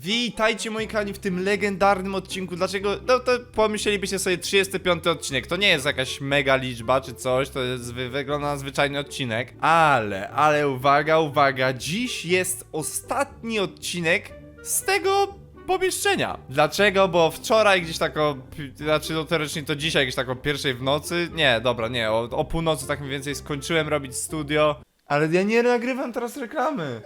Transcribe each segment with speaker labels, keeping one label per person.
Speaker 1: Witajcie moi kochani w tym legendarnym odcinku. Dlaczego? No to pomyślelibyście sobie 35 odcinek. To nie jest jakaś mega liczba czy coś, to jest wygląda na zwyczajny odcinek. Ale uwaga, dziś jest ostatni odcinek z tego pomieszczenia. Dlaczego? Bo wczoraj gdzieś tak znaczy no teoretycznie to dzisiaj gdzieś tak o pierwszej w nocy, nie, dobra, nie, o północy tak mniej więcej skończyłem robić studio. Ale ja nie nagrywam teraz reklamy.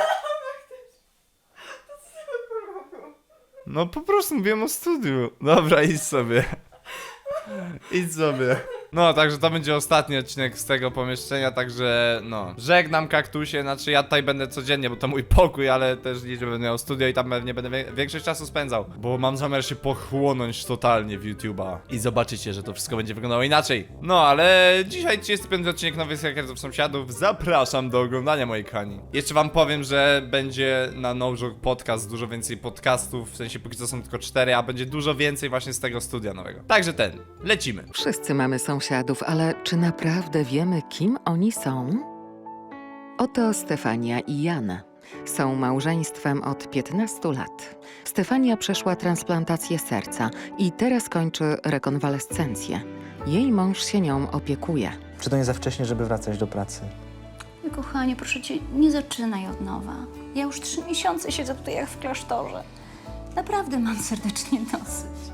Speaker 1: No po prostu mówiłem o studiu. Dobra, idź sobie. Idź sobie. No, także to będzie ostatni odcinek z tego pomieszczenia, także no. Żegnam kaktusie, znaczy ja tutaj będę codziennie, bo to mój pokój, ale też liczę, będę miał studio i tam pewnie będę większość czasu spędzał. Bo mam zamiar się pochłonąć totalnie w YouTube'a. I zobaczycie, że to wszystko będzie wyglądało inaczej. No, ale dzisiaj 35 odcinek Nowych Hakersów Sąsiadów. Zapraszam do oglądania, moi kochani. Jeszcze wam powiem, że będzie na NoJoke Podcast dużo więcej podcastów, w sensie póki co są tylko 4, a będzie dużo więcej właśnie z tego studia nowego. Także lecimy.
Speaker 2: Wszyscy mamy sąsiadów, ale czy naprawdę wiemy, kim oni są? Oto Stefania i Jan. Są małżeństwem od 15 lat. Stefania przeszła transplantację serca i teraz kończy rekonwalescencję. Jej mąż się nią opiekuje.
Speaker 3: Czy to nie za wcześnie, żeby wracać do pracy?
Speaker 4: Kochanie, proszę cię, nie zaczynaj od nowa. Ja już 3 miesiące siedzę tutaj jak w klasztorze. Naprawdę mam serdecznie dosyć.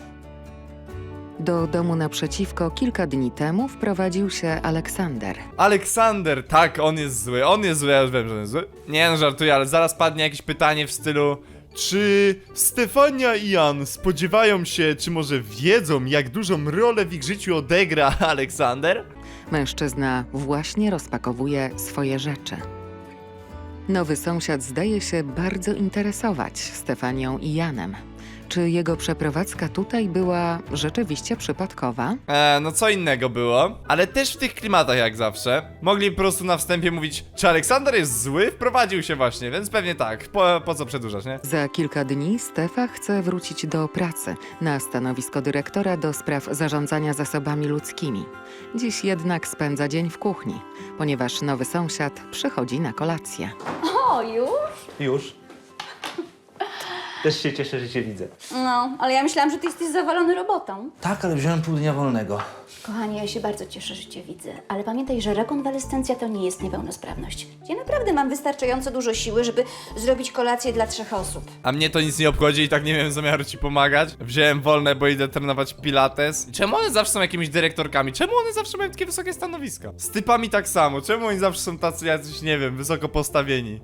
Speaker 2: Do domu naprzeciwko kilka dni temu wprowadził się Aleksander.
Speaker 1: Aleksander, tak, on jest zły, ja już wiem, że on jest zły. Nie no, żartuję, ale zaraz padnie jakieś pytanie w stylu: czy Stefania i Jan spodziewają się, czy może wiedzą, jak dużą rolę w ich życiu odegra Aleksander?
Speaker 2: Mężczyzna właśnie rozpakowuje swoje rzeczy. Nowy sąsiad zdaje się bardzo interesować Stefanią i Janem. Czy jego przeprowadzka tutaj była rzeczywiście przypadkowa?
Speaker 1: No co innego było, ale też w tych klimatach jak zawsze. Mogli po prostu na wstępie mówić: czy Aleksander jest zły? Wprowadził się właśnie, więc pewnie tak. Po co przedłużać, nie?
Speaker 2: Za kilka dni Stefa chce wrócić do pracy na stanowisko dyrektora do spraw zarządzania zasobami ludzkimi. Dziś jednak spędza dzień w kuchni, ponieważ nowy sąsiad przychodzi na kolację.
Speaker 4: O, już?
Speaker 3: Już. Też się cieszę, że cię widzę.
Speaker 4: No, ale ja myślałam, że ty jesteś zawalony robotą.
Speaker 3: Tak, ale wziąłem pół dnia wolnego.
Speaker 4: Kochanie, ja się bardzo cieszę, że cię widzę. Ale pamiętaj, że rekonwalescencja to nie jest niepełnosprawność. Ja naprawdę mam wystarczająco dużo siły, żeby zrobić kolację dla 3 osób.
Speaker 1: A mnie to nic nie obchodzi i tak nie miałem zamiaru ci pomagać. Wziąłem wolne, bo idę trenować pilates. Czemu one zawsze są jakimiś dyrektorkami? Czemu one zawsze mają takie wysokie stanowiska? Z typami tak samo. Czemu oni zawsze są tacy jacyś, nie wiem, wysoko postawieni?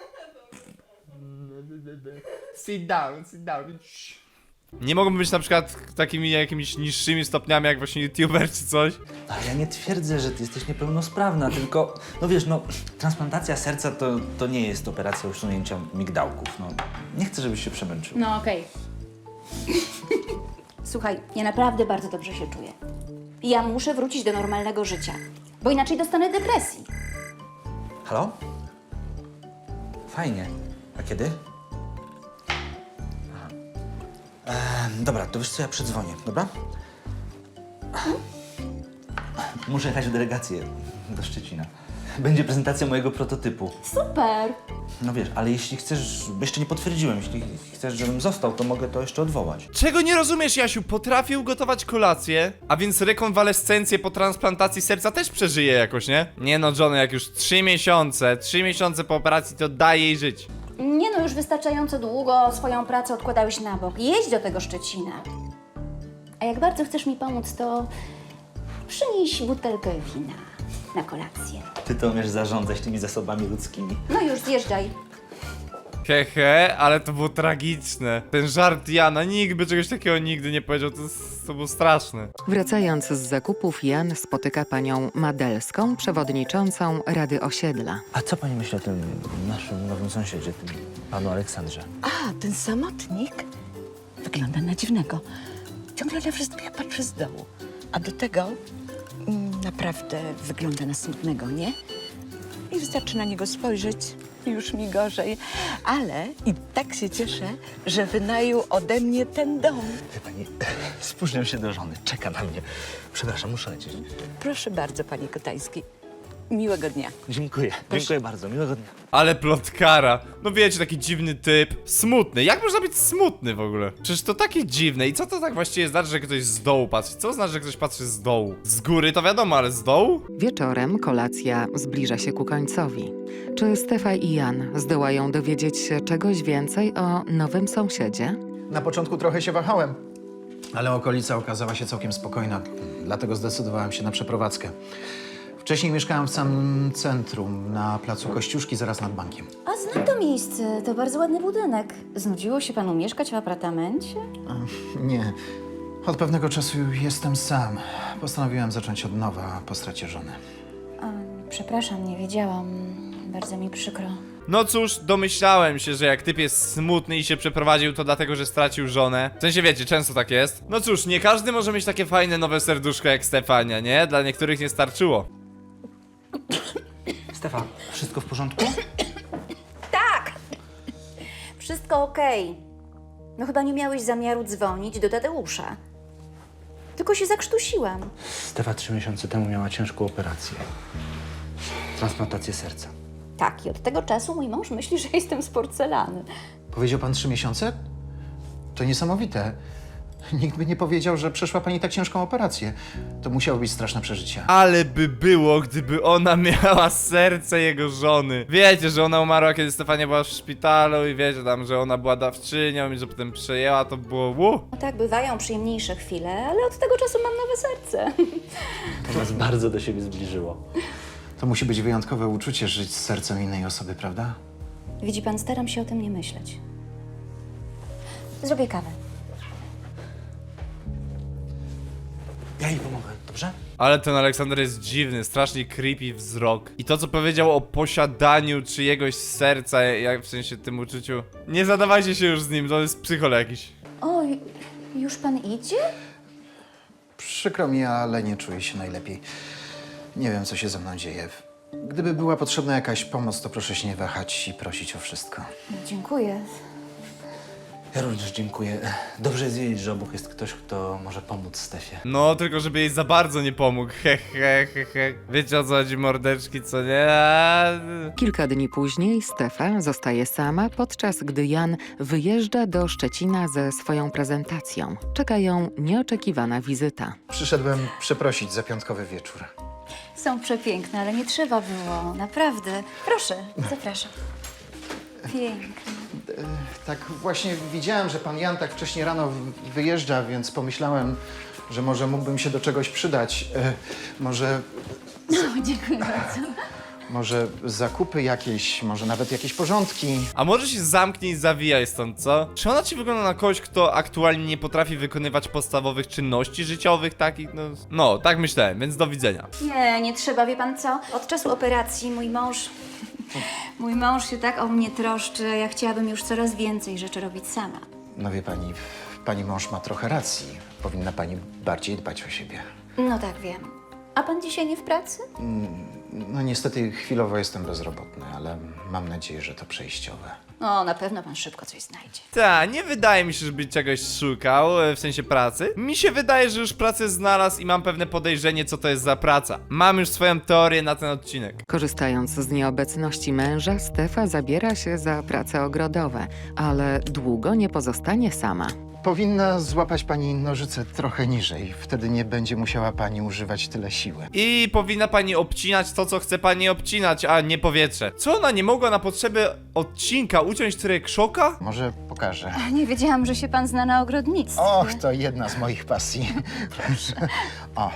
Speaker 1: Sit down. Nie mogą być na przykład takimi jakimiś niższymi stopniami jak właśnie youtuber czy coś?
Speaker 3: Ale ja nie twierdzę, że ty jesteś niepełnosprawna, tylko... No wiesz, no, transplantacja serca to nie jest operacja usunięcia migdałków, no. Nie chcę, żebyś się przemęczył.
Speaker 4: No, okej. Słuchaj, ja naprawdę bardzo dobrze się czuję. Ja muszę wrócić do normalnego życia, bo inaczej dostanę depresji.
Speaker 3: Halo? Fajnie. A kiedy? Dobra, to wiesz co, ja przedzwonię, dobra? Muszę jechać w delegację do Szczecina. Będzie prezentacja mojego prototypu.
Speaker 4: Super!
Speaker 3: No wiesz, ale jeśli chcesz, bo jeszcze nie potwierdziłem, jeśli chcesz, żebym został, to mogę to jeszcze odwołać.
Speaker 1: Czego nie rozumiesz, Jasiu? Potrafię ugotować kolację, a więc rekonwalescencję po transplantacji serca też przeżyję jakoś, nie? Nie no, Johnny, jak już 3 miesiące po operacji, to daj jej żyć.
Speaker 4: Nie no, już wystarczająco długo swoją pracę odkładałeś na bok. Jedź do tego Szczecina. A jak bardzo chcesz mi pomóc, to przynieś butelkę wina na kolację.
Speaker 3: Ty to umiesz zarządzać tymi zasobami ludzkimi.
Speaker 4: No już, zjeżdżaj.
Speaker 1: Hehe, ale to było tragiczne. Ten żart Jana, nikt by czegoś takiego nigdy nie powiedział, to było straszne.
Speaker 2: Wracając z zakupów, Jan spotyka panią Madelską, przewodniczącą Rady Osiedla.
Speaker 3: A co pani myśli o tym naszym nowym sąsiedzie, tym panu Aleksandrze?
Speaker 5: A, ten samotnik wygląda na dziwnego. Ciągle na wszystkich patrzy z dołu. A do tego naprawdę wygląda na smutnego, nie? I wystarczy na niego spojrzeć i już mi gorzej. Ale i tak się cieszę, że wynajął ode mnie ten dom.
Speaker 3: Wie pani, spóźniam się do żony, czeka na mnie. Przepraszam, muszę lecieć.
Speaker 5: Proszę bardzo, panie Kotański. Miłego dnia.
Speaker 3: Dziękuję, dziękuję bardzo, miłego dnia.
Speaker 1: Ale plotkara. No wiecie, taki dziwny typ. Smutny. Jak można być smutny w ogóle? Przecież to takie dziwne. I co to tak właściwie znaczy, że ktoś z dołu patrzy? Co znaczy, że ktoś patrzy z dołu? Z góry to wiadomo, ale z dołu?
Speaker 2: Wieczorem kolacja zbliża się ku końcowi. Czy Stefa i Jan zdołają dowiedzieć się czegoś więcej o nowym sąsiedzie?
Speaker 6: Na początku trochę się wahałem, ale okolica okazała się całkiem spokojna, dlatego zdecydowałem się na przeprowadzkę. Wcześniej mieszkałem w samym centrum, na placu Kościuszki, zaraz nad bankiem.
Speaker 4: A znam to miejsce, to bardzo ładny budynek. Znudziło się panu mieszkać w apartamencie?
Speaker 6: Nie, od pewnego czasu jestem sam. Postanowiłem zacząć od nowa po stracie żony.
Speaker 4: Przepraszam, nie wiedziałam. Bardzo mi przykro.
Speaker 1: No cóż, domyślałem się, że jak typ jest smutny i się przeprowadził, to dlatego, że stracił żonę. W sensie wiecie, często tak jest. No cóż, nie każdy może mieć takie fajne nowe serduszko jak Stefania, nie? Dla niektórych nie starczyło.
Speaker 3: Stefan, wszystko w porządku?
Speaker 4: Tak! Wszystko okej. No chyba nie miałeś zamiaru dzwonić do Tadeusza. Tylko się zakrztusiłam.
Speaker 3: Stefa 3 miesiące temu miała ciężką operację. Transplantację serca.
Speaker 4: Tak, i od tego czasu mój mąż myśli, że jestem z porcelany.
Speaker 6: Powiedział pan 3 miesiące? To niesamowite. Nikt by nie powiedział, że przeszła pani tak ciężką operację. To musiało być straszne przeżycie.
Speaker 1: Ale by było, gdyby ona miała serce jego żony. Wiecie, że ona umarła, kiedy Stefania była w szpitalu i wiecie tam, że ona była dawczynią i że potem przejęła, to było
Speaker 4: No tak, bywają przyjemniejsze chwile, ale od tego czasu mam nowe serce.
Speaker 3: To nas bardzo do siebie zbliżyło.
Speaker 6: To musi być wyjątkowe uczucie żyć z sercem innej osoby, prawda?
Speaker 4: Widzi pan, staram się o tym nie myśleć. Zrobię kawę.
Speaker 3: Ja jej pomogę, dobrze?
Speaker 1: Ale ten Aleksander jest dziwny, strasznie creepy wzrok. I to, co powiedział o posiadaniu czyjegoś serca, jak w sensie tym uczuciu. Nie zadawajcie się już z nim, to jest psychol jakiś.
Speaker 4: O, już pan idzie?
Speaker 6: Przykro mi, ale nie czuję się najlepiej. Nie wiem, co się ze mną dzieje. Gdyby była potrzebna jakaś pomoc, to proszę się nie wahać i prosić o wszystko.
Speaker 4: Dziękuję.
Speaker 3: Ja również dziękuję. Dobrze jest wiedzieć, że obok jest ktoś, kto może pomóc Stefie.
Speaker 1: No, tylko żeby jej za bardzo nie pomógł. He. Wiecie o co chodzi, mordeczki, co nie?
Speaker 2: Kilka dni później Stefa zostaje sama, podczas gdy Jan wyjeżdża do Szczecina ze swoją prezentacją. Czeka ją nieoczekiwana wizyta.
Speaker 6: Przyszedłem przeprosić za piątkowy wieczór.
Speaker 4: Są przepiękne, ale nie trzeba było. Naprawdę. Proszę, zapraszam. Pięknie.
Speaker 6: Tak właśnie widziałem, że pan Jan tak wcześnie rano wyjeżdża, więc pomyślałem, że może mógłbym się do czegoś przydać. Może
Speaker 4: Dziękuję bardzo.
Speaker 6: Może zakupy jakieś, może nawet jakieś porządki.
Speaker 1: A może się zamknij i zawijaj stąd, co? Czy ona ci wygląda na kogoś, kto aktualnie nie potrafi wykonywać podstawowych czynności życiowych, takich, no, tak myślałem, więc do widzenia.
Speaker 4: Nie trzeba, wie pan co? Od czasu operacji mój mąż się tak o mnie troszczy, ja chciałabym już coraz więcej rzeczy robić sama.
Speaker 6: No wie pani, pani mąż ma trochę racji. Powinna pani bardziej dbać o siebie.
Speaker 4: No tak, wiem. A pan dzisiaj nie w pracy?
Speaker 6: No niestety chwilowo jestem bezrobotny, ale mam nadzieję, że to przejściowe.
Speaker 4: O, na pewno pan szybko coś znajdzie.
Speaker 1: Tak, nie wydaje mi się, żeby czegoś szukał, w sensie pracy. Mi się wydaje, że już pracę znalazł i mam pewne podejrzenie, co to jest za praca. Mam już swoją teorię na ten odcinek.
Speaker 2: Korzystając z nieobecności męża, Stefa zabiera się za prace ogrodowe, ale długo nie pozostanie sama.
Speaker 6: Powinna złapać pani nożyce trochę niżej. Wtedy nie będzie musiała pani używać tyle siły.
Speaker 1: I powinna pani obcinać to, co chce pani obcinać, a nie powietrze. Co ona nie mogła na potrzeby odcinka uciąć tyle krzoka?
Speaker 6: Może pokażę.
Speaker 4: Nie wiedziałam, że się pan zna na ogrodnictwie.
Speaker 6: Och, to jedna z moich pasji. Proszę. O,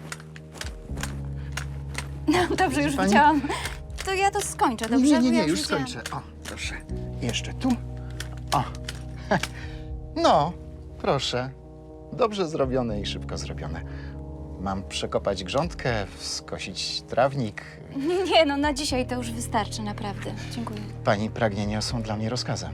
Speaker 4: No, dobrze, już
Speaker 6: Pani?
Speaker 4: widziałam. To ja to skończę, dobrze?
Speaker 6: nie,
Speaker 4: Bo ja
Speaker 6: już
Speaker 4: widziałam.
Speaker 6: skończę. O, proszę. Jeszcze tu. O. No, proszę. Dobrze zrobione i szybko zrobione. Mam przekopać grządkę, skosić trawnik.
Speaker 4: Nie, no na dzisiaj to już wystarczy, naprawdę. Dziękuję.
Speaker 6: Pani pragnienia są dla mnie rozkazem.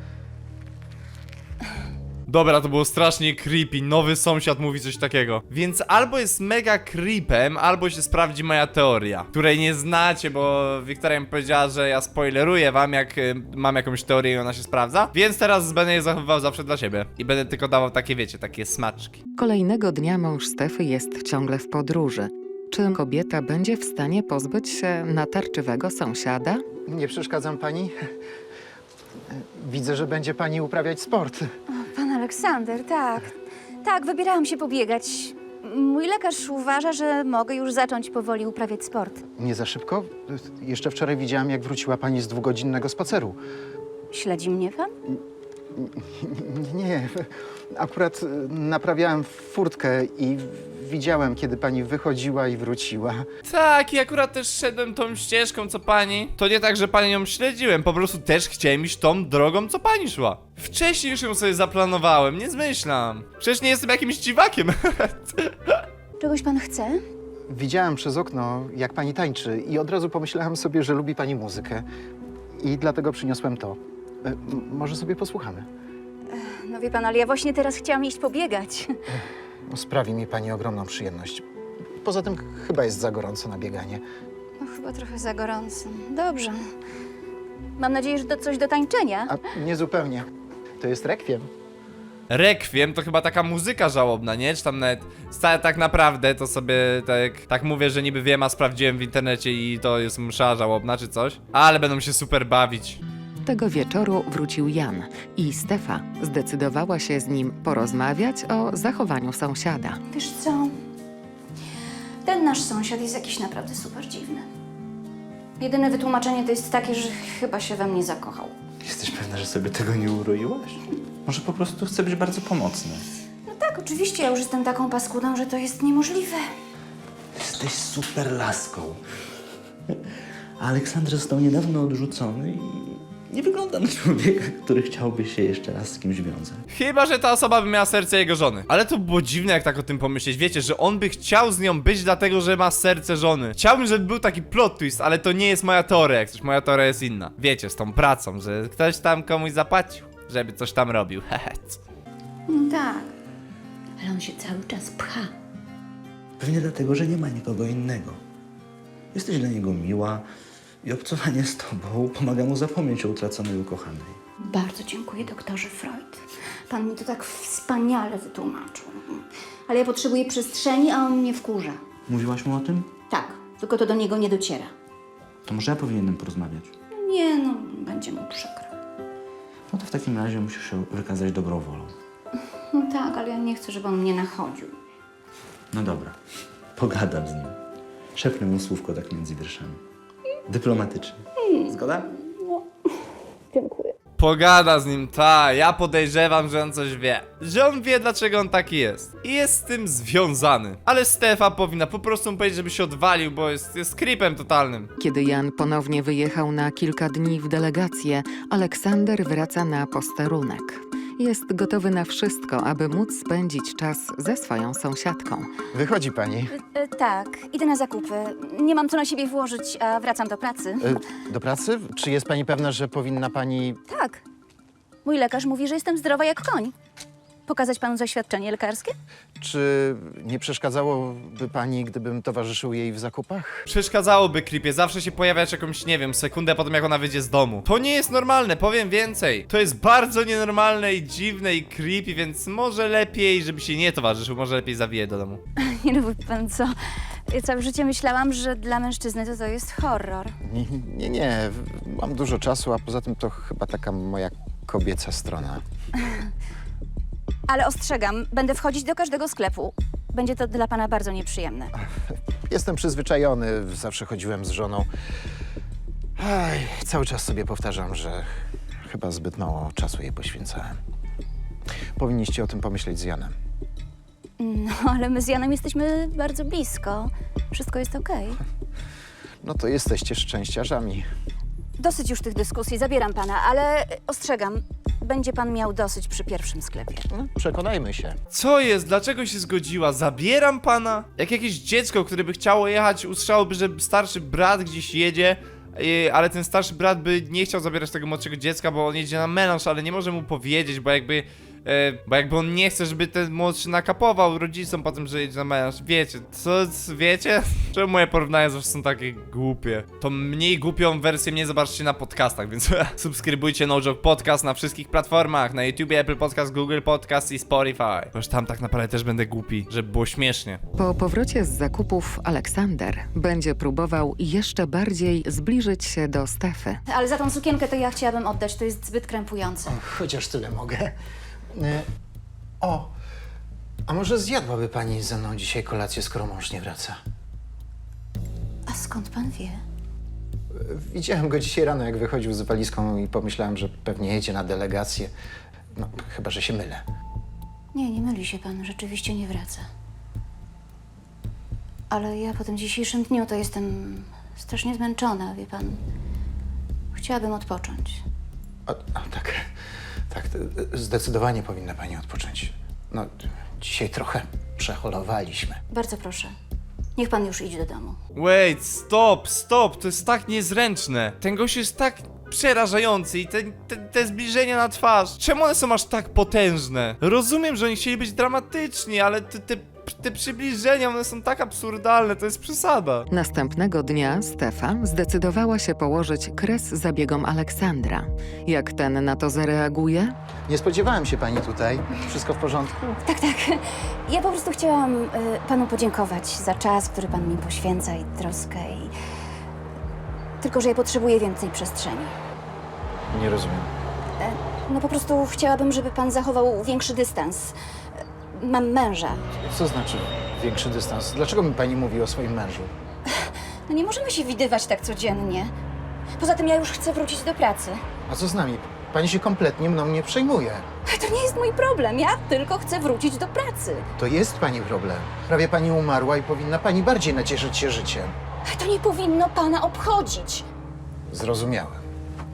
Speaker 1: Dobra, to było strasznie creepy, nowy sąsiad mówi coś takiego. Więc albo jest mega creepem, albo się sprawdzi moja teoria, której nie znacie, bo Wiktoria mi powiedziała, że ja spoileruję wam, jak mam jakąś teorię i ona się sprawdza. Więc teraz będę je zachowywał zawsze dla siebie. I będę tylko dawał takie, wiecie, takie smaczki.
Speaker 2: Kolejnego dnia mąż Stefy jest ciągle w podróży. Czy kobieta będzie w stanie pozbyć się natarczywego sąsiada?
Speaker 6: Nie przeszkadzam pani? Widzę, że będzie pani uprawiać sport.
Speaker 4: Pan Aleksander, tak. Tak, wybierałam się pobiegać. Mój lekarz uważa, że mogę już zacząć powoli uprawiać sport.
Speaker 6: Nie za szybko? Jeszcze wczoraj widziałam, jak wróciła pani z 2-godzinnego spaceru.
Speaker 4: Śledzi mnie pan?
Speaker 6: Nie, akurat naprawiałem furtkę i widziałem, kiedy pani wychodziła i wróciła.
Speaker 1: Tak, i akurat też szedłem tą ścieżką, co pani. To nie tak, że pani ją śledziłem, po prostu też chciałem iść tą drogą, co pani szła. Wcześniej już ją sobie zaplanowałem, nie zmyślam. Przecież nie jestem jakimś dziwakiem.
Speaker 4: Czegoś pan chce?
Speaker 6: Widziałem przez okno, jak pani tańczy i od razu pomyślałem sobie, że lubi pani muzykę. I dlatego przyniosłem to. Może sobie posłuchamy.
Speaker 4: No wie pan, ale ja właśnie teraz chciałam iść pobiegać.
Speaker 6: Sprawi mi pani ogromną przyjemność. Poza tym chyba jest za gorąco na bieganie.
Speaker 4: No chyba trochę za gorąco. Dobrze. Mam nadzieję, że to coś do tańczenia.
Speaker 6: A nie zupełnie. To jest rekwiem.
Speaker 1: Rekwiem to chyba taka muzyka żałobna, nie? Czy tam nawet tak naprawdę to sobie tak mówię, że niby wiem, a sprawdziłem w internecie i to jest msza żałobna czy coś. Ale będą się super bawić.
Speaker 2: Tego wieczoru wrócił Jan i Stefa zdecydowała się z nim porozmawiać o zachowaniu sąsiada.
Speaker 4: Wiesz co? Ten nasz sąsiad jest jakiś naprawdę super dziwny. Jedyne wytłumaczenie to jest takie, że chyba się we mnie zakochał.
Speaker 3: Jesteś pewna, że sobie tego nie uroiłaś? Może po prostu chce być bardzo pomocny.
Speaker 4: No tak, oczywiście, ja już jestem taką paskudą, że to jest niemożliwe.
Speaker 3: Jesteś super laską. A Aleksander został niedawno odrzucony i nie wygląda na człowieka, który chciałby się jeszcze raz z kimś wiązać.
Speaker 1: Chyba, że ta osoba by miała serce jego żony. Ale to było dziwne, jak tak o tym pomyśleć. Wiecie, że on by chciał z nią być dlatego, że ma serce żony. Chciałbym, żeby był taki plot twist, ale to nie jest moja teoria. Jak coś, moja teoria jest inna. Wiecie, z tą pracą, że ktoś tam komuś zapłacił, żeby coś tam robił.
Speaker 4: No tak. Ale on się cały czas pcha.
Speaker 3: Pewnie dlatego, że nie ma nikogo innego. Jesteś dla niego miła i obcowanie z tobą pomaga mu zapomnieć o utraconej ukochanej.
Speaker 4: Bardzo dziękuję, doktorze Freud. Pan mi to tak wspaniale wytłumaczył. Ale ja potrzebuję przestrzeni, a on mnie wkurza.
Speaker 3: Mówiłaś mu o tym?
Speaker 4: Tak, tylko to do niego nie dociera.
Speaker 3: To może ja powinienem porozmawiać.
Speaker 4: Nie, no, będzie mu przykro.
Speaker 3: No to w takim razie musisz się wykazać dobrą wolą.
Speaker 4: No tak, ale ja nie chcę, żeby on mnie nachodził.
Speaker 3: No dobra, pogadam z nim. Szepnę mu słówko tak między wierszami. Dyplomatycznie. Zgoda?
Speaker 1: Pogada z nim, ja podejrzewam, że on coś wie. Że on wie, dlaczego on taki jest. I jest z tym związany. Ale Stefa powinna po prostu mu powiedzieć, żeby się odwalił, bo jest creepem totalnym.
Speaker 2: Kiedy Jan ponownie wyjechał na kilka dni w delegację, Aleksander wraca na posterunek. Jest gotowy na wszystko, aby móc spędzić czas ze swoją sąsiadką.
Speaker 6: Wychodzi pani.
Speaker 4: Tak, idę na zakupy. Nie mam co na siebie włożyć, a wracam do pracy.
Speaker 6: Do pracy? Czy jest pani pewna, że powinna pani...
Speaker 4: Tak. Mój lekarz mówi, że jestem zdrowa jak koń. Pokazać panu zaświadczenie lekarskie?
Speaker 6: Czy nie przeszkadzałoby pani, gdybym towarzyszył jej w zakupach?
Speaker 1: Przeszkadzałoby creepie zawsze się pojawiać jakąś, nie wiem, sekundę po tym, jak ona wyjdzie z domu. To nie jest normalne, powiem więcej. To jest bardzo nienormalne i dziwne i creepy, więc może lepiej, żeby się nie towarzyszył, może lepiej zawiję do domu.
Speaker 4: Nie no, wie pan co? Ja całe życie myślałam, że dla mężczyzny to jest horror.
Speaker 6: Nie. Mam dużo czasu, a poza tym to chyba taka moja kobieca strona.
Speaker 4: Ale ostrzegam, będę wchodzić do każdego sklepu. Będzie to dla pana bardzo nieprzyjemne.
Speaker 6: Jestem przyzwyczajony, zawsze chodziłem z żoną. Cały czas sobie powtarzam, że chyba zbyt mało czasu jej poświęcałem. Powinniście o tym pomyśleć z Janem.
Speaker 4: No, ale my z Janem jesteśmy bardzo blisko. Wszystko jest okej.
Speaker 6: No to jesteście szczęściarzami.
Speaker 4: Dosyć już tych dyskusji, zabieram pana, ale ostrzegam, będzie pan miał dosyć przy pierwszym sklepie.
Speaker 6: No, przekonajmy się.
Speaker 1: Co jest? Dlaczego się zgodziła? Zabieram pana? Jak jakieś dziecko, które by chciało jechać, usłyszałoby, że starszy brat gdzieś jedzie, ale ten starszy brat by nie chciał zabierać tego młodszego dziecka, bo on jedzie na melanż, ale nie może mu powiedzieć, bo jakby bo jakby on nie chce, żeby ten młodszy nakapował rodzicom po tym, że jedzie na melanż. Wiecie, wiecie? Czemu moje porównania zawsze są takie głupie? To mniej głupią wersję mnie zobaczcie na podcastach, więc subskrybujcie No Joke Podcast na wszystkich platformach, na YouTubie, Apple Podcast, Google Podcast i Spotify. Bo już tam tak naprawdę też będę głupi, żeby było śmiesznie.
Speaker 2: Po powrocie z zakupów Aleksander będzie próbował jeszcze bardziej zbliżyć się do Stefy.
Speaker 4: Ale za tą sukienkę to ja chciałabym oddać, to jest zbyt krępujące.
Speaker 6: Chociaż tyle mogę. O, a może zjadłaby pani ze mną dzisiaj kolację, skoro mąż nie wraca?
Speaker 4: A skąd pan wie?
Speaker 6: Widziałem go dzisiaj rano, jak wychodził z walizką i pomyślałem, że pewnie jedzie na delegację. No, chyba że się mylę.
Speaker 4: Nie myli się pan, rzeczywiście nie wraca. Ale ja po tym dzisiejszym dniu to jestem strasznie zmęczona, wie pan. Chciałabym odpocząć.
Speaker 6: Tak, zdecydowanie powinna pani odpocząć. No, dzisiaj trochę przeholowaliśmy.
Speaker 4: Bardzo proszę. Niech pan już idzie do domu.
Speaker 1: Wait, stop, to jest tak niezręczne. Ten gość jest tak przerażający i te zbliżenia na twarz. Czemu one są aż tak potężne? Rozumiem, że oni chcieli być dramatyczni, ale te przybliżenia, one są tak absurdalne, to jest przesada.
Speaker 2: Następnego dnia Stefa zdecydowała się położyć kres zabiegom Aleksandra. Jak ten na to zareaguje?
Speaker 6: Nie spodziewałem się pani tutaj. Wszystko w porządku?
Speaker 4: Tak. Ja po prostu chciałam panu podziękować za czas, który pan mi poświęca i troskę i... Tylko, że ja potrzebuję więcej przestrzeni.
Speaker 6: Nie rozumiem.
Speaker 4: No po prostu chciałabym, żeby pan zachował większy dystans. Mam męża.
Speaker 6: Co znaczy większy dystans? Dlaczego mi pani mówi o swoim mężu?
Speaker 4: No nie możemy się widywać tak codziennie. Poza tym ja już chcę wrócić do pracy.
Speaker 6: A co z nami? Pani się kompletnie mną nie przejmuje.
Speaker 4: To nie jest mój problem, ja tylko chcę wrócić do pracy.
Speaker 6: To jest pani problem. Prawie pani umarła i powinna pani bardziej nacieszyć się życiem.
Speaker 4: To nie powinno pana obchodzić.
Speaker 6: Zrozumiałem.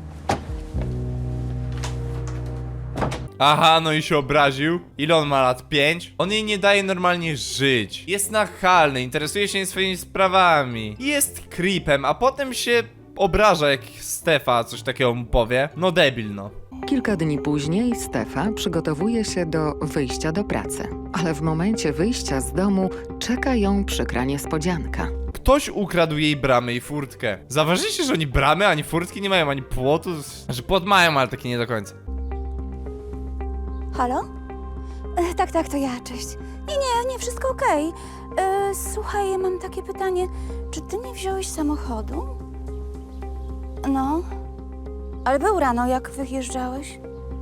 Speaker 1: Aha, no i się obraził. Ile on ma lat? 5? On jej nie daje normalnie żyć. Jest nachalny, interesuje się swoimi sprawami. Jest creepem, a potem się obraża, jak Stefa coś takiego mu powie. No debil, no.
Speaker 2: Kilka dni później Stefa przygotowuje się do wyjścia do pracy. Ale w momencie wyjścia z domu czeka ją przykra niespodzianka.
Speaker 1: Ktoś ukradł jej bramę i furtkę. Zauważyliście, że oni bramy ani furtki nie mają, ani płotu? Znaczy płot mają, ale taki nie do końca.
Speaker 4: Halo? Tak, to ja, cześć. Nie, wszystko okej. Słuchaj, ja mam takie pytanie. Czy ty nie wziąłeś samochodu? No. Ale był rano, jak wyjeżdżałeś?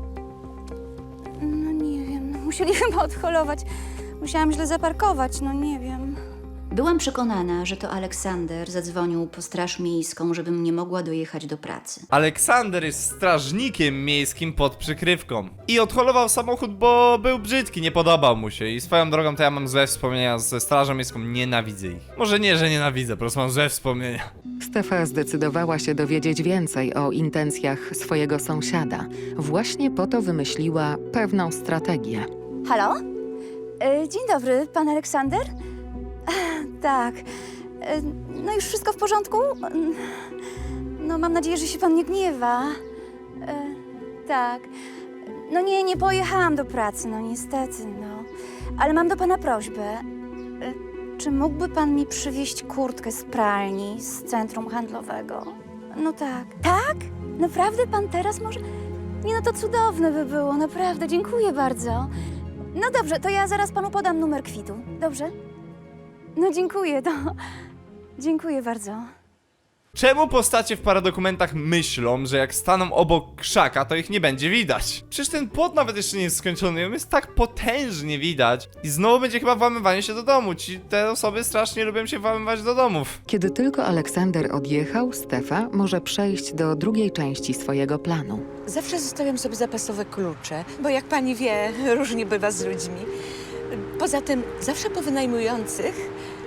Speaker 4: No nie wiem, musieli chyba odholować. Musiałam źle zaparkować, no nie wiem. Byłam przekonana, że to Aleksander zadzwonił po straż miejską, żebym nie mogła dojechać do pracy.
Speaker 1: Aleksander jest strażnikiem miejskim pod przykrywką. I odholował samochód, bo był brzydki, nie podobał mu się. I swoją drogą to ja mam złe wspomnienia ze strażą miejską, nienawidzę ich. Może nie, że nienawidzę, po prostu mam złe wspomnienia.
Speaker 2: Stefa zdecydowała się dowiedzieć więcej o intencjach swojego sąsiada. Właśnie po to wymyśliła pewną strategię.
Speaker 4: Halo? Dzień dobry, pan Aleksander? Tak. No już wszystko w porządku? No mam nadzieję, że się pan nie gniewa. Tak. No nie pojechałam do pracy, no niestety, no. Ale mam do pana prośbę. Czy mógłby pan mi przywieźć kurtkę z pralni z centrum handlowego? No tak. Tak? Naprawdę pan teraz może? Nie, no to cudowne by było, naprawdę, dziękuję bardzo. No dobrze, to ja zaraz panu podam numer kwitu, dobrze? No dziękuję, to... Dziękuję bardzo.
Speaker 1: Czemu postacie w paradokumentach myślą, że jak staną obok krzaka, to ich nie będzie widać? Przecież ten płot nawet jeszcze nie jest skończony, on jest tak potężnie widać. I znowu będzie chyba włamywanie się do domu. Te osoby strasznie lubią się włamywać do domów.
Speaker 2: Kiedy tylko Aleksander odjechał, Stefa może przejść do drugiej części swojego planu.
Speaker 5: Zawsze zostawiam sobie zapasowe klucze, bo jak pani wie, różnie bywa z ludźmi. Poza tym zawsze po wynajmujących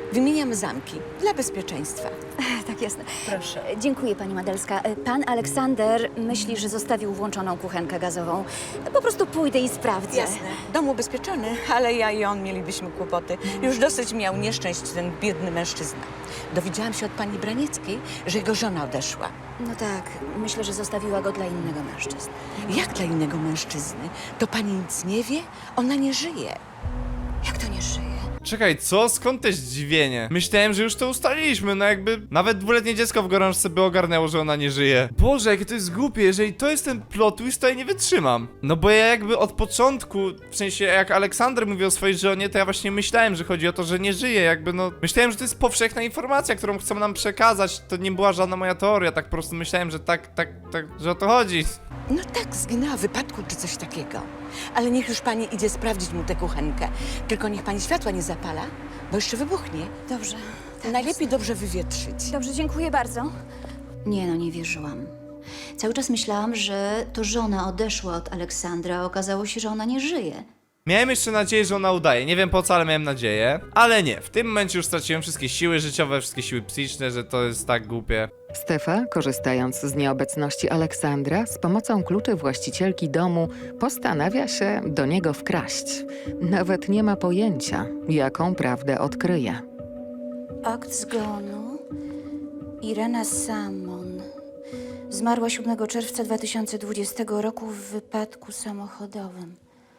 Speaker 5: Wymieniam zamki dla bezpieczeństwa.
Speaker 4: Tak, jasne.
Speaker 5: Proszę.
Speaker 4: Dziękuję, pani Madelska. Pan Aleksander myśli, że zostawił włączoną kuchenkę gazową. Po prostu pójdę i sprawdzę.
Speaker 5: Jasne. Dom ubezpieczony, ale ja i on mielibyśmy kłopoty. Już dosyć miał nieszczęść ten biedny mężczyzna. Dowiedziałam się od pani Branieckiej, że jego żona odeszła.
Speaker 4: No tak, myślę, że zostawiła go dla innego mężczyzny.
Speaker 5: Jak dla innego mężczyzny? To pani nic nie wie? Ona nie żyje.
Speaker 4: Jak to nie żyje?
Speaker 1: Czekaj, co? Skąd te zdziwienie? Myślałem, że już to ustaliliśmy, no jakby nawet dwuletnie dziecko w gorączce by ogarnęło, że ona nie żyje. Boże, jakie to jest głupie, jeżeli to jest ten plot twist, to ja nie wytrzymam. No bo ja jakby od początku, w sensie jak Aleksander mówił o swojej żonie, to ja właśnie myślałem, że chodzi o to, że nie żyje, jakby no... Myślałem, że to jest powszechna informacja, którą chcą nam przekazać, to nie była żadna moja teoria, tak po prostu myślałem, że że o to chodzi.
Speaker 5: No tak, zginęła w wypadku czy coś takiego. Ale niech już pani idzie sprawdzić mu tę kuchenkę. Tylko niech pani światła nie zapala, bo jeszcze wybuchnie.
Speaker 4: Dobrze. Tak,
Speaker 5: Najlepiej dobrze wywietrzyć.
Speaker 4: Dobrze, dziękuję bardzo. Nie no, nie wierzyłam. Cały czas myślałam, że to żona odeszła od Aleksandra, a okazało się, że ona nie żyje.
Speaker 1: Miałem jeszcze nadzieję, że ona udaje. Nie wiem po co, ale miałem nadzieję. Ale nie, w tym momencie już straciłem wszystkie siły życiowe, wszystkie siły psychiczne, że to jest tak głupie.
Speaker 2: Stefa, korzystając z nieobecności Aleksandra, z pomocą kluczy właścicielki domu postanawia się do niego wkraść. Nawet nie ma pojęcia, jaką prawdę odkryje.
Speaker 4: Akt zgonu. Irena Samon. Zmarła 7 czerwca 2020 roku w wypadku samochodowym.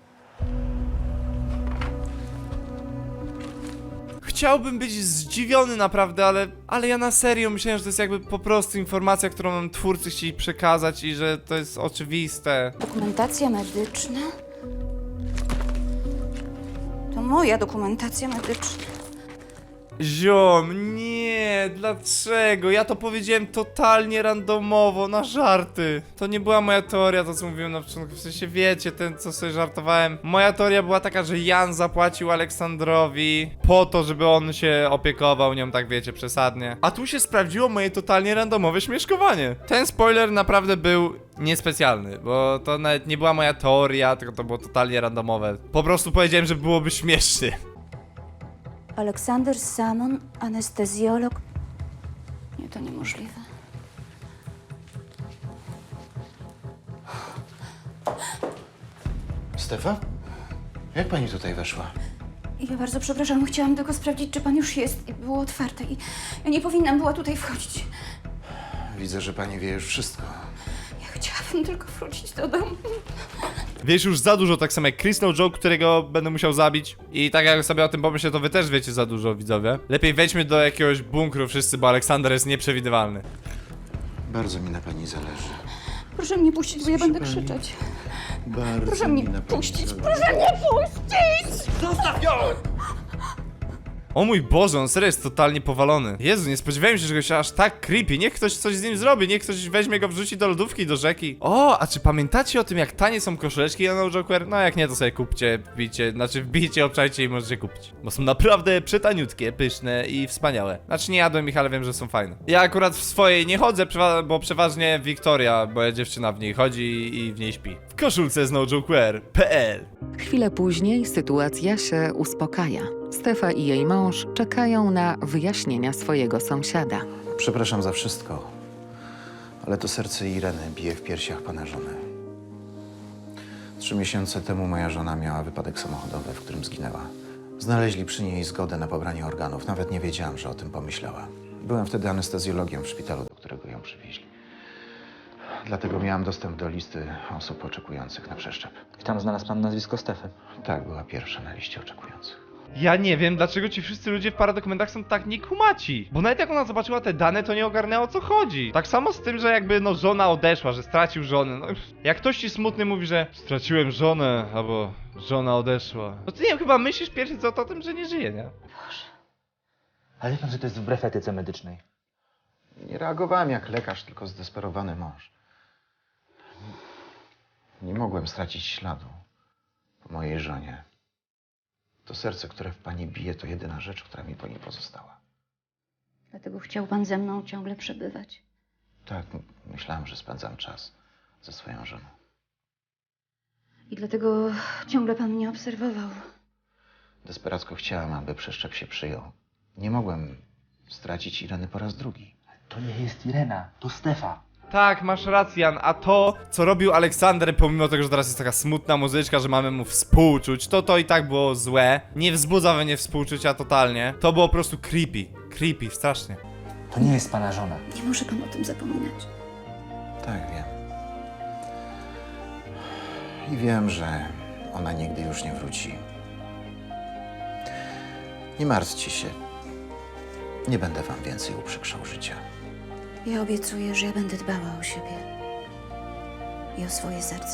Speaker 1: Chciałbym być zdziwiony naprawdę, ale ja na serio myślałem, że to jest jakby po prostu informacja, którą nam twórcy chcieli przekazać i że to jest oczywiste.
Speaker 4: Dokumentacja medyczna? To moja dokumentacja medyczna.
Speaker 1: Ziom, nie, dlaczego? Ja to powiedziałem totalnie randomowo, na żarty. To nie była moja teoria, to co mówiłem na początku, w sensie wiecie, ten co sobie żartowałem. Moja teoria była taka, że Jan zapłacił Aleksandrowi po to, żeby on się opiekował nią, tak wiecie, przesadnie. A tu się sprawdziło moje totalnie randomowe śmieszkowanie. Ten spoiler naprawdę był niespecjalny, bo to nawet nie była moja teoria, tylko to było totalnie randomowe. Po prostu powiedziałem, że byłoby śmieszny.
Speaker 4: Aleksander Samon, anestezjolog. Nie, to niemożliwe.
Speaker 6: Stefa? Jak pani tutaj weszła?
Speaker 4: Ja bardzo przepraszam, chciałam tylko sprawdzić, czy pan już jest. I było otwarte i ja nie powinnam była tutaj wchodzić.
Speaker 6: Widzę, że pani wie już wszystko.
Speaker 4: Ja chciałabym tylko wrócić do domu.
Speaker 1: Wiesz już za dużo, tak samo jak Chris No Joke, którego będę musiał zabić. I tak jak sobie o tym pomyślę, to wy też wiecie za dużo, widzowie. Lepiej wejdźmy do jakiegoś bunkru wszyscy, bo Aleksander jest nieprzewidywalny.
Speaker 6: Bardzo mi na pani zależy.
Speaker 4: Proszę mnie puścić, bo ja będę
Speaker 6: pani?
Speaker 4: krzyczeć.
Speaker 6: Bardzo
Speaker 4: Proszę mnie
Speaker 6: mi na pani
Speaker 4: puścić,
Speaker 6: zależy.
Speaker 4: proszę mnie puścić!
Speaker 1: O mój Boże, on serio jest totalnie powalony. Jezu, nie spodziewałem się, że go się aż tak creepy. Niech ktoś coś z nim zrobi, niech ktoś weźmie go, wrzuci do lodówki, do rzeki. O, a czy pamiętacie o tym, jak tanie są koszuleczki No Joker? No jak nie, to sobie kupcie, wbijcie, obczajcie i możecie kupić. Bo są naprawdę przetaniutkie, pyszne i wspaniałe. Znaczy nie jadłem ich, ale wiem, że są fajne. Ja akurat w swojej nie chodzę, bo przeważnie Wiktoria, moja dziewczyna w niej chodzi i w niej śpi. W koszulce z nojoker.pl.
Speaker 2: Chwilę później sytuacja się uspokaja. Stefa i jej mąż czekają na wyjaśnienia swojego sąsiada.
Speaker 6: Przepraszam za wszystko, ale to serce Ireny bije w piersiach pana żony. 3 miesiące temu moja żona miała wypadek samochodowy, w którym zginęła. Znaleźli przy niej zgodę na pobranie organów. Nawet nie wiedziałam, że o tym pomyślała. Byłem wtedy anestezjologiem w szpitalu, do którego ją przywieźli. Dlatego miałam dostęp do listy osób oczekujących na przeszczep.
Speaker 7: I tam znalazł pan nazwisko Stefy.
Speaker 6: Tak, była pierwsza na liście oczekujących.
Speaker 1: Ja nie wiem, dlaczego ci wszyscy ludzie w paradokumentach są tak niekumaci. Bo nawet jak ona zobaczyła te dane, to nie ogarnęła, o co chodzi. Tak samo z tym, że jakby no żona odeszła, że stracił żonę. No, jak ktoś ci smutny mówi, że straciłem żonę, albo żona odeszła. No ty nie wiem, chyba myślisz pierwszy co to o tym, że nie żyje, nie?
Speaker 7: Ale wie pan, że to jest wbrew etyce medycznej.
Speaker 6: Nie reagowałem jak lekarz, tylko zdesperowany mąż. Nie mogłem stracić śladu po mojej żonie. To serce, które w pani bije, to jedyna rzecz, która mi po niej pozostała.
Speaker 4: Dlatego chciał pan ze mną ciągle przebywać.
Speaker 6: Tak, myślałem, że spędzam czas ze swoją żoną.
Speaker 4: I dlatego ciągle pan mnie obserwował.
Speaker 6: Desperacko chciałem, aby przeszczep się przyjął. Nie mogłem stracić Ireny po raz drugi.
Speaker 7: To nie jest Irena, to Stefa.
Speaker 1: Tak, masz rację, Jan, a to, co robił Aleksander, pomimo tego, że teraz jest taka smutna muzyczka, że mamy mu współczuć, to i tak było złe. Nie wzbudza we mnie współczucia totalnie. To było po prostu creepy. Creepy, strasznie.
Speaker 7: To nie jest pana żona.
Speaker 4: Nie może pan o tym zapominać.
Speaker 6: Tak, wiem. I wiem, że ona nigdy już nie wróci. Nie martwcie się. Nie będę wam więcej uprzykrzał życia.
Speaker 4: Ja obiecuję, że ja będę dbała o siebie i o swoje serce.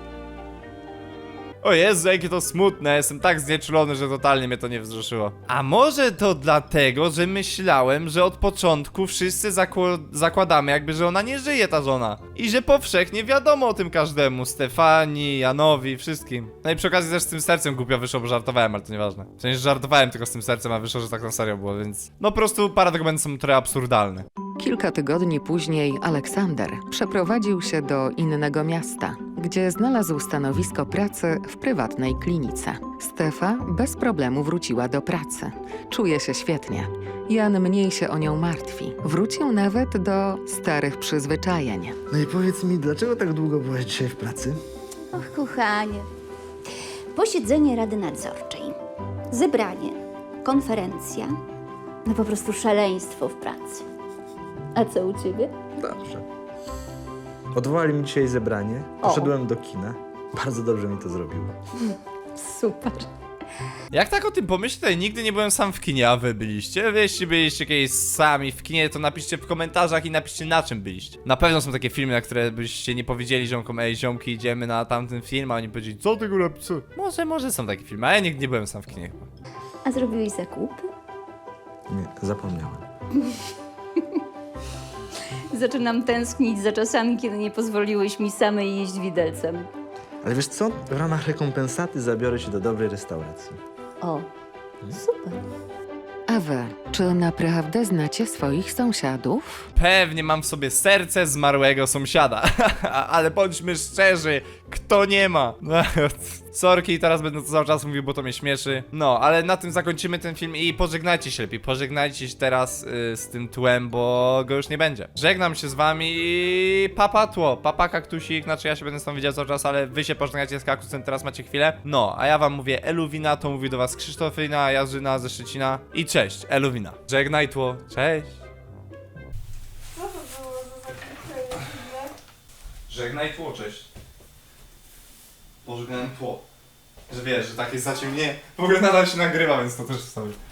Speaker 1: O Jezu, jakie to smutne, jestem tak znieczulony, że totalnie mnie to nie wzruszyło. A może to dlatego, że myślałem, że od początku wszyscy zakładamy jakby, że ona nie żyje, ta żona. I że powszechnie wiadomo o tym każdemu, Stefanii, Janowi, wszystkim. No i przy okazji też z tym sercem głupio wyszło, bo żartowałem, ale to nieważne. W sensie żartowałem tylko z tym sercem, a wyszło, że tak na serio było, więc... No po prostu paradygmaty są trochę absurdalne.
Speaker 2: Kilka tygodni później Aleksander przeprowadził się do innego miasta, gdzie znalazł stanowisko pracy w prywatnej klinice. Stefa bez problemu wróciła do pracy. Czuje się świetnie. Jan mniej się o nią martwi. Wrócił nawet do starych przyzwyczajeń.
Speaker 3: No i powiedz mi, dlaczego tak długo byłaś dzisiaj w pracy?
Speaker 4: Och, kochanie. Posiedzenie Rady Nadzorczej, zebranie, konferencja, no po prostu szaleństwo w pracy. A co u ciebie?
Speaker 8: Dobrze. Odwołali mi dzisiaj zebranie. Poszedłem do kina. Bardzo dobrze mi to zrobiło.
Speaker 4: Super.
Speaker 1: Jak tak o tym pomyślę, to ja nigdy nie byłem sam w kinie, a wy byliście? Wy jeśli byliście kiedyś sami w kinie, to napiszcie w komentarzach i napiszcie, na czym byliście. Na pewno są takie filmy, na które byście nie powiedzieli ziomkom: ej ziomki, idziemy na tamten film, a oni powiedzieli: co ty góra psy? Może są takie filmy, a ja nigdy nie byłem sam w kinie chyba.
Speaker 4: A zrobiłeś zakupy?
Speaker 8: Nie, zapomniałem.
Speaker 4: Zaczynam tęsknić za czasami, kiedy nie pozwoliłeś mi samej jeść widelcem.
Speaker 8: Ale wiesz co? W ramach rekompensaty zabiorę cię do dobrej restauracji.
Speaker 4: O, super.
Speaker 2: A wy, czy naprawdę znacie swoich sąsiadów?
Speaker 1: Pewnie mam w sobie serce zmarłego sąsiada. Ale bądźmy szczerzy, kto nie ma? Sorki, teraz będę to cały czas mówił, bo to mnie śmieszy. No, ale na tym zakończymy ten film i pożegnajcie się lepiej. Pożegnajcie się teraz z tym tłem, bo go już nie będzie. Żegnam się z wami i papa tło, papa kaktusik. Znaczy ja się będę z tą widział cały czas, ale wy się pożegnacie z kaktusem, teraz macie chwilę. No, a ja wam mówię Eluwina, to mówi do was Krzysztofina, Jarzyna ze Szczecina. I cześć, Eluwina. Żegnaj tło, cześć. Żegnaj tło, cześć. Pożegnałem tło. Że wiesz, że takie zaciemnienie. W ogóle nadal się nagrywa, więc to też wstawię.